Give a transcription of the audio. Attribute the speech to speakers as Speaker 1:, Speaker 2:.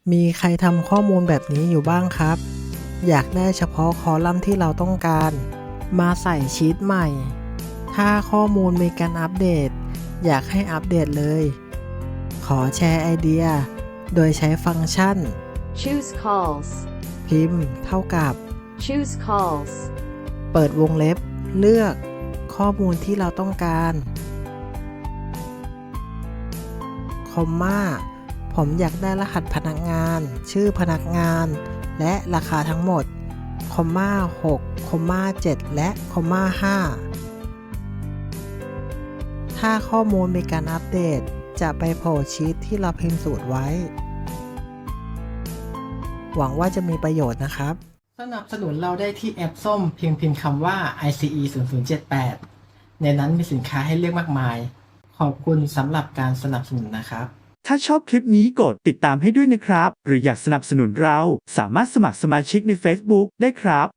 Speaker 1: มีใครทำข้อมูลแบบนี้อยู่บ้างครับ อยากได้เฉพาะคอลัมน์ที่เราต้องการ มาใส่ชีตใหม่ ถ้าข้อมูลมีการอัปเดต อยากให้อัปเดตเลย ขอแชร์ไอเดีย โดยใช้ฟังก์ชัน
Speaker 2: Choose calls.
Speaker 1: พิมพ์เท่ากับ
Speaker 2: Choose calls.
Speaker 1: เปิดวงเล็บ เลือกข้อมูลที่เราต้องการ คอมมาผมอยากได้รหัสพนักงาน ชื่อพนักงาน และราคาทั้งหมด คอมมา6 คอมมา7 และคอมมา5 ถ้าข้อมูลมีการอัปเดต จะไปโผล่ชีทที่เราพิมพ์สูตรไว้ หวังว่าจะมีประโยชน์นะครับ สนับสนุนเราได้ที่แอปส้มเพียงพิมพ์คำว่า ICE 0078 ในนั้นมีสินค้าให้เลือกมากมาย ขอบคุณสำหรับการสนับสนุนนะครับ
Speaker 3: ถ้าชอบคลิปนี้กดติดตามให้ด้วยนะครับ หรืออยากสนับสนุนเราสามารถสมัครสมาชิกใน Facebook ได้ครับ